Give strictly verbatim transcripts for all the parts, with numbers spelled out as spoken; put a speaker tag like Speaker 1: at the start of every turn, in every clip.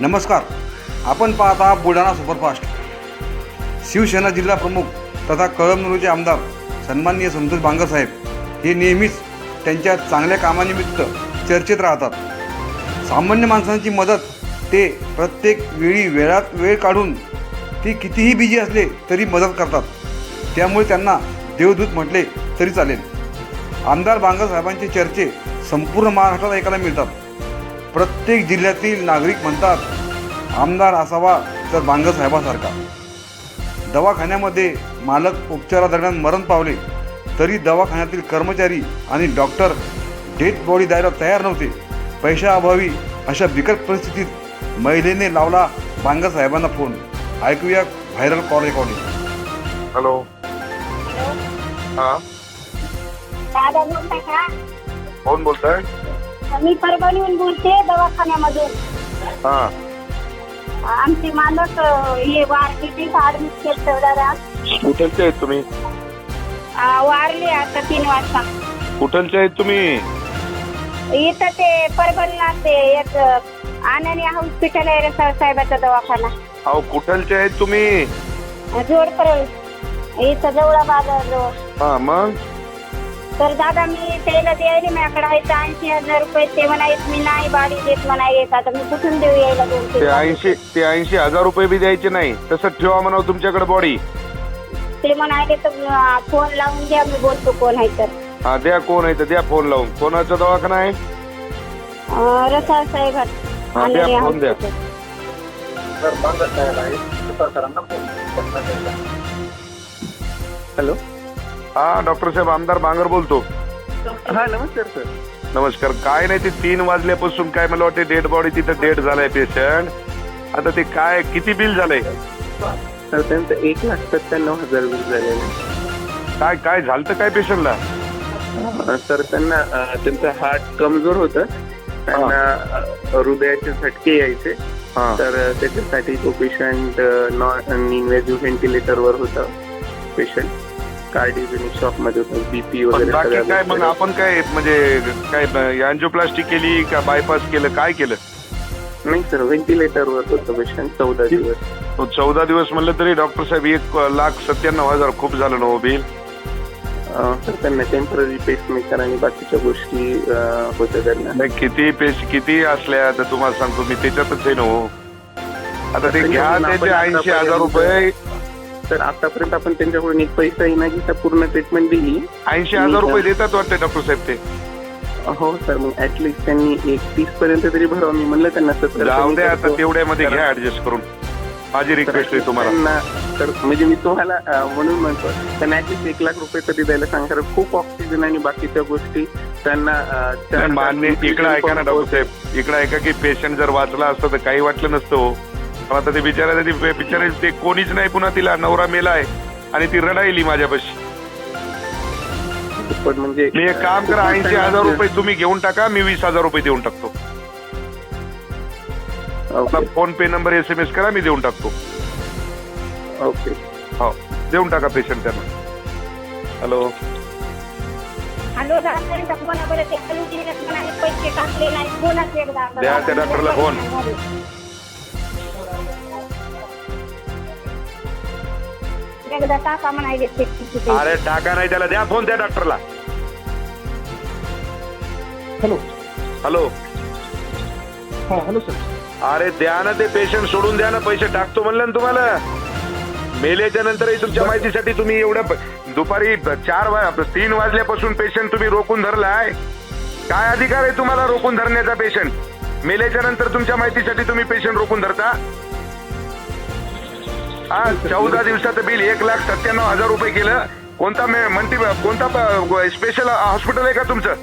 Speaker 1: नमस्कार, आपण पाहता बुलढाणा सुपरफास्ट. शिवसेना जिल्हा प्रमुख तथा कळमनुरीचे आमदार सन्माननीय संतोष बांगरसाहेब हे नेहमीच त्यांच्या चांगल्या कामानिमित्त चर्चेत राहतात. सामान्य माणसांची मदत ते प्रत्येक वेळी वेळात वेळ काढून ती कितीही बिजी असले तरी मदत करतात. त्यामुळे त्यांना देवदूत म्हटले तरी चालेल. आमदार बांगरसाहेबांचे चर्चे संपूर्ण महाराष्ट्रात ऐकायला मिळतात. प्रत्येक जिल्ह्यातील नागरिक म्हणतात, आमदार असावा तर बांगरसाहेबासारखा. दवाखान्यामध्ये मालक उपचारादरम्यान मरण पावले तरी दवाखान्यातील कर्मचारी आणि डॉक्टर डेड बॉडी द्यायला तयार नव्हते. पैशाअभावी अशा बिकट परिस्थितीत महिलेने लावला बांगरसाहेबांना फोन. ऐकूया व्हायरल कॉल रेकॉर्डिंग.
Speaker 2: हॅलो. हां,
Speaker 3: दादा बोलताय का?
Speaker 2: कोण बोलताय?
Speaker 3: मी परभणीहून बोलते, दवाखान्यामधून.
Speaker 2: हां,
Speaker 3: आमचे मालक हे वारले, ते ऍडमिट केलं दादा.
Speaker 2: कुठलचे आहेत तुम्ही?
Speaker 3: वारले आता तीन वाजता.
Speaker 2: कुठलचे आहेत तुम्ही?
Speaker 3: इथं ते परभणीला ते एक आनंदी हॉस्पिटल आहे, रसाळ साहेबाचा दवाखाना.
Speaker 2: अहो, कुठलचे आहेत तुम्ही?
Speaker 3: जोड परळ इथं जवळ बाजारजवळ.
Speaker 2: हां, मग
Speaker 3: तर दादा मी त्याला द्यायला माझ्याकडे आहे ऐंशी हजार रुपये. ते म्हणायत मी नाही बाडी देत म्हणायत. आता मी कुठून देऊ यायला दोन
Speaker 2: ते ऐंशी ते ऐंशी हजार रुपये बी द्यायचे नाही, तसं ठेवा म्हणावं तुमच्याकडे बॉडी.
Speaker 3: ते म्हणाले तर फोन लावून द्या, मी बोलतो कोण आहे तर.
Speaker 2: हा, द्या. कोण आहे तर द्या फोन लावून. कोणाचा दवाखाना आहे?
Speaker 3: रसाळ साहेब.
Speaker 2: हा, द्या फोन द्या.
Speaker 4: हॅलो.
Speaker 2: हा, डॉक्टर साहेब, आमदार बांगर बोलतो.
Speaker 4: हा, नमस्कार सर.
Speaker 2: नमस्कार. काय नाही, ते तीन वाजल्यापासून काय मला वाटते डेड बॉडी तिथं डेड झालाय पेशंट. आता ते काय किती बिल झालंय?
Speaker 4: सर त्यांचं एक लाख सत्त्याण्णव हजार बिल झालेलं आहे.
Speaker 2: काय काय झालं तर काय पेशंटला?
Speaker 4: सर त्यांना अं, त्यांचं हार्ट कमजोर होतं. त्यांना अं, हृदयाचे झटके यायचे.
Speaker 2: हा,
Speaker 4: तर अं, त्याच्यासाठी तो पेशंट नॉन इन्व्हेजिव्ह व्हेंटिलेटरवर होता. पेशंट कार्डिओजेनिक शॉक मध्ये होता. बीपी
Speaker 2: पण
Speaker 4: वगैरे
Speaker 2: बाकी
Speaker 4: सगळ्या
Speaker 2: काय मग
Speaker 4: गोष्टी.
Speaker 2: आपण काय म्हणजे काय अँजिओप्लास्टी केली का बायपास केलं, काय केलं?
Speaker 4: नाही सर, व्हेंटिलेटरवर होतं पेशंट चौदा दिवस.
Speaker 2: तो चौदा दिवस म्हणलं तरी डॉक्टर साहेब एक लाख सत्त्याण्णव हजार खूप झालं ना हो बिल.
Speaker 4: अं, सर त्यांना टेम्पररी पेसमेकर आणि बाकीच्या गोष्टी अं, होत्या त्यांना.
Speaker 2: नाही, किती पेश किती असल्या तर तुम्हाला सांगतो मी, त्याच्यातच आहे ना हो. आता ते घ्या त्याचे ऐंशी हजार रुपये.
Speaker 4: तर आतापर्यंत आपण त्यांच्याकडून एक पैसाही न घेता पूर्ण ट्रीटमेंट दिली.
Speaker 2: ऐंशी हजार रुपये देतात वाटते डॉक्टर साहेब ते.
Speaker 4: हो सर, मग ऍटलिस्ट त्यांनी एक तीस पर्यंत तरी भरावं. मी म्हणलं त्यांना सत्तर.
Speaker 2: जाऊ द्या आता, तेवढ्यामध्ये घ्या ऍडजस्ट करून. माझी रिक्वेस्ट आहे तुम्हाला.
Speaker 4: त्यांना तर म्हणजे मी तुम्हाला अं, म्हणून म्हणतो त्यांना ऍटलिस्ट एक लाख रुपये तरी द्यायला सांग. कारण खूप ऑक्सिजन आणि बाकीच्या गोष्टी त्यांना अं,
Speaker 2: नाही,
Speaker 4: त्या-
Speaker 2: मान्य. इकडं ऐका ना डॉक्टर साहेब, इकडं ऐका की पेशंट जर वाचला असतं तर काही वाटलं नसतं हो. पण आता ते बिचारा ते बिचारे ते कोणीच नाही. पुन्हा तिला नवरा मेलाय आणि ती रडायली माझ्यापाशी.
Speaker 4: पण म्हणजे
Speaker 2: मी एक काम करा, ऐंशी हजार रुपये तुम्ही घेऊन टाका, मी वीस हजार रुपये देऊन टाकतो.
Speaker 4: Okay
Speaker 2: PhonePe number S M S करा, मी देऊन टाकतो.
Speaker 4: ओके.
Speaker 2: हो, देऊन टाका पेशंट त्यांना. हॅलो.
Speaker 3: हॅलो दादा, बोला बरं. ते खाली दिलेत म्हणाले, पैसे टाकले नाही. बोलाच एकदा.
Speaker 2: द्या त्या डॉक्टरला फोन.
Speaker 3: एकदा टाका म्हणाले.
Speaker 2: अरे टाका नाही, त्याला द्या फोन त्या डॉक्टरला.
Speaker 5: हॅलो.
Speaker 2: हॅलो.
Speaker 5: हां, हॅलो सर.
Speaker 2: अरे द्या ना, ते पेशंट सोडून द्या ना, पैसे टाकतो म्हणलं ना तुम्हाला. मेल्याच्या नंतरही तुमच्या माहितीसाठी तुम्ही एवढ्या दुपारी चार वाज तीन वाजल्यापासून पेशंट तुम्ही रोखून धरलाय. काय अधिकार आहे तुम्हाला रोखून धरण्याचा? पेशंट मेल्याच्या नंतर तुमच्या माहितीसाठी तुम्ही पेशंट रोखून धरता? हा, चौदा दिवसाचं बिल एक लाख सत्त्याण्णव हजार रुपये केलं. कोणता म्हणती कोणता स्पेशल हॉस्पिटल आहे का तुमचं?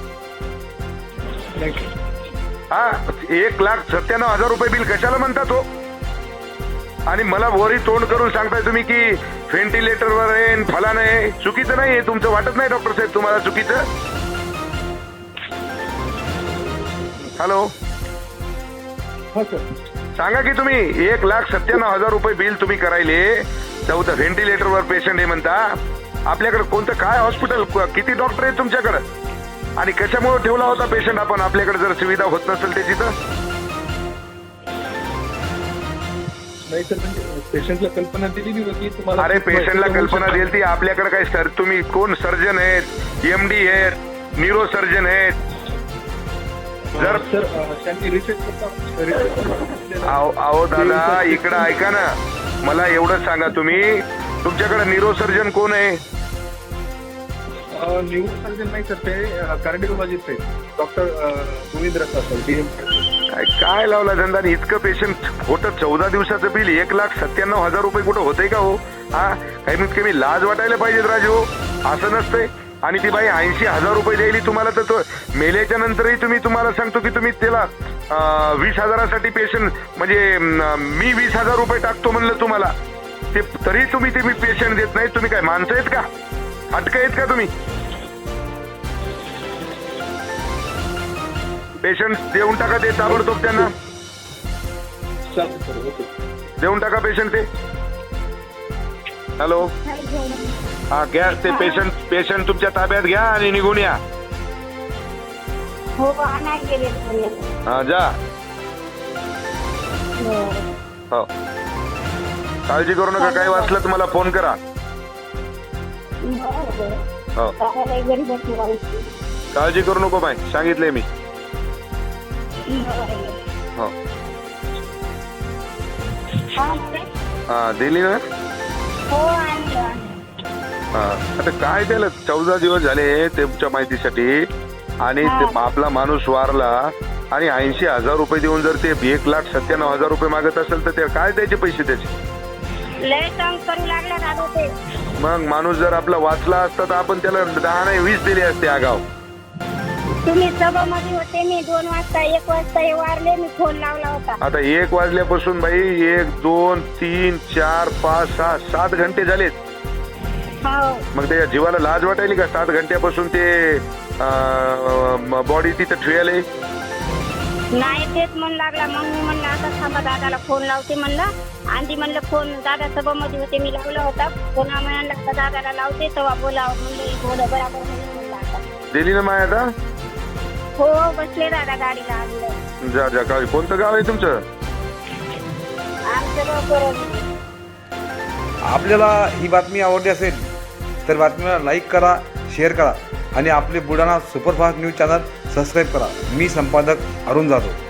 Speaker 2: हा, एक लाख सत्त्याण्णव हजार रुपये बिल कशाला म्हणता तो? आणि मला वरी तोंड करून सांगताय तुम्ही की व्हेंटिलेटरवर आहे, फलान आहे. चुकीचं नाही आहे तुमचं, वाटत नाही डॉक्टर साहेब तुम्हाला चुकीचं? हॅलो.
Speaker 5: हां सर.
Speaker 2: सांगा की तुम्ही एक लाख सत्त्याण्णव हजार रुपये बिल तुम्ही करायले, चौदा व्हेंटिलेटरवर पेशंट आहे म्हणता. आपल्याकडे कोणतं काय हॉस्पिटल, किती डॉक्टर आहेत तुमच्याकडे? आणि कशामुळे ठेवला होता पेशंट आपण आपल्याकडे जर सुविधा होत नसेल त्याची तर?
Speaker 5: नाही सर, म्हणजे पेशंटला कल्पना दिलेली होती तुम्हाला.
Speaker 2: अरे पेशंटला कल्पना देईल ती, आपल्याकडे काय सर तुम्ही कोण सर्जन आहेत, एमडी आहेत, न्यूरो सर्जन आहेत. जर
Speaker 5: सर त्यांनी रिसेट
Speaker 2: अहो अहो दादा इकडं ऐका ना, मला एवढंच सांगा तुम्ही तुमच्याकडे न्यूरो सर्जन कोण आहे?
Speaker 5: न्यूरो सर्जन नाही सर, ते कार्डिओलॉजिस्ट आहेत doctor Govind Rasa sir, DM.
Speaker 2: काय काय लावला धंदा आणि इतकं पेशंट खोटं चौदा दिवसाचं बिल एक लाख सत्त्याण्णव हजार रुपये कुठं होतंय का हो? हा कमीत कमी लाज वाटायला पाहिजेत राजू, असं नसतंय. आणि ती बाई ऐंशी हजार रुपये द्यायली तुम्हाला, तर तो मेल्याच्या नंतरही तुम्ही तुम्हाला सांगतो की तुम्ही त्याला वीस हजारासाठी पेशंट म्हणजे मी वीस हजार रुपये टाकतो म्हणलं तुम्हाला, ते तरी तुम्ही ते मी पेशंट देत नाही. तुम्ही काय माणसं आहेत का? हटक आहेत का तुम्ही? पेशंट देऊन टाका ते ताबडतोब, त्यांना
Speaker 5: चालेल सर, ओके.
Speaker 2: देऊन टाका पेशंट ते. हॅलो, हा घ्या ते पेशंट पेशंट तुमच्या ताब्यात घ्या आणि निघून या.
Speaker 3: हो आणा गेले तुम्ही.
Speaker 2: हा जा. हो काळजी करू नका, काही वाचलं तर मला फोन करा. हो
Speaker 3: घरी बसून राहायची.
Speaker 2: काळजी करू नको बाय, सांगितलंय मी. हो हा दिली ना.
Speaker 3: हो आणलं.
Speaker 2: हा आता काय त्याला चौदा दिवस झाले तुमच्या माहितीसाठी, आणि ते आपला माणूस वारला आणि ऐंशी हजार रुपये देऊन जर ते एक लाख सत्त्याण्णव हजार रुपये मागत असेल तर ते काय द्यायचे पैसे त्याचे?
Speaker 3: लय तंग करू लागला दादा ते.
Speaker 2: मग माणूस जर आपला वाचला असता तर आपण त्याला दहा नाही वीस दिले असते आगाव.
Speaker 3: तुम्ही सभामध्ये होते, मी दोन वाजता एक वाजता हे वारले, मी फोन लावला होता.
Speaker 2: आता एक वाजल्यापासून बाई एक दोन तीन चार पाच सहा सात घंटे झालेत.
Speaker 3: हो
Speaker 2: मग त्याच्या जीवाला लाज वाटायली का? सात घंट्यापासून ते बॉडी तिथं ठेवले.
Speaker 3: नाही तेच म्हण लागला. मग मी म्हणलं आता थांबा, दादाला फोन लावते म्हणलं. आधी म्हणलं फोन दादा सभामध्ये होते, मी लावला होता फोन. म्हणलं दादाला लावते तेव्हा बोलावं म्हणलं, बोला बरोबर म्हणलं. आता
Speaker 2: दिली ना माय आता.
Speaker 3: हो बसले दादा गाडीला आणलं.
Speaker 2: जा जा. काय कोणतं गाव आहे तुमचं?
Speaker 3: आमचं गाव परवली.
Speaker 1: आपल्याला ही बातमी आवडली असेल तर बातमीला लाईक करा, शेअर करा आणि आपले Buldhana superfast news channel subscribe करा. मी संपादक अरुण जाधव.